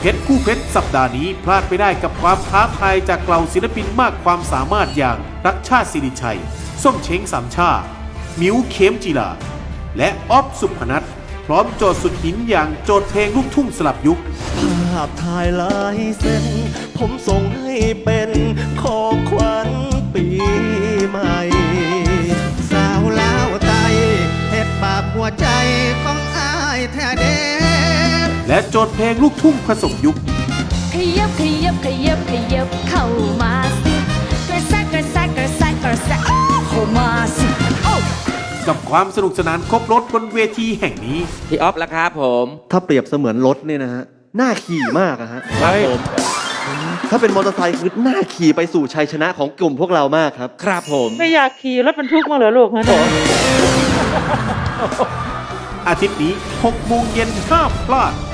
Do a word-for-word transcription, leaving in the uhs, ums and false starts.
เพชรคู่เพชรสัปดาห์นี้พลาดไม่ได้กับความท้าทายจากเหล่าศิลปินมากความสามารถอย่างรักชาติศิริชัยส้มเช้งสามชามิวเข้มจีลาและออฟสุพนัทพร้อมโจทย์สุดหินอย่างโจทย์เพลงลูกทุ่งสลับยุคภาพถ่ายลายเส้นผมส่งให้เป็นของขวัญปีใหม่สาวลาวไตเฮ็ดบาปหัวใจของอ้ายแท้เด้และโจทย์เพลงลูกทุ่งผสมยุคขยับขยับขยับขยับเข้ามาสิกระแซกกระแซกกระแซกกระแซกเข้ามาสิกับความสนุกสนานครบรถบนเวทีแห่งนี้พี่ออฟแล้วครับผมถ้าเปรียบเสมือนรถเนี่ยนะฮะน่าขี่มากอะฮะครับผมถ้าเป็นมอเตอร์ไซค์คือน่าขี่ไปสู่ชัยชนะของกลุ่มพวกเรามากครับครับผมไม่อยากขี่รถบรรทุกมาเหรอลูกฮะผมอาทิตย์นี้หกโมงเย็นห้ามพลาด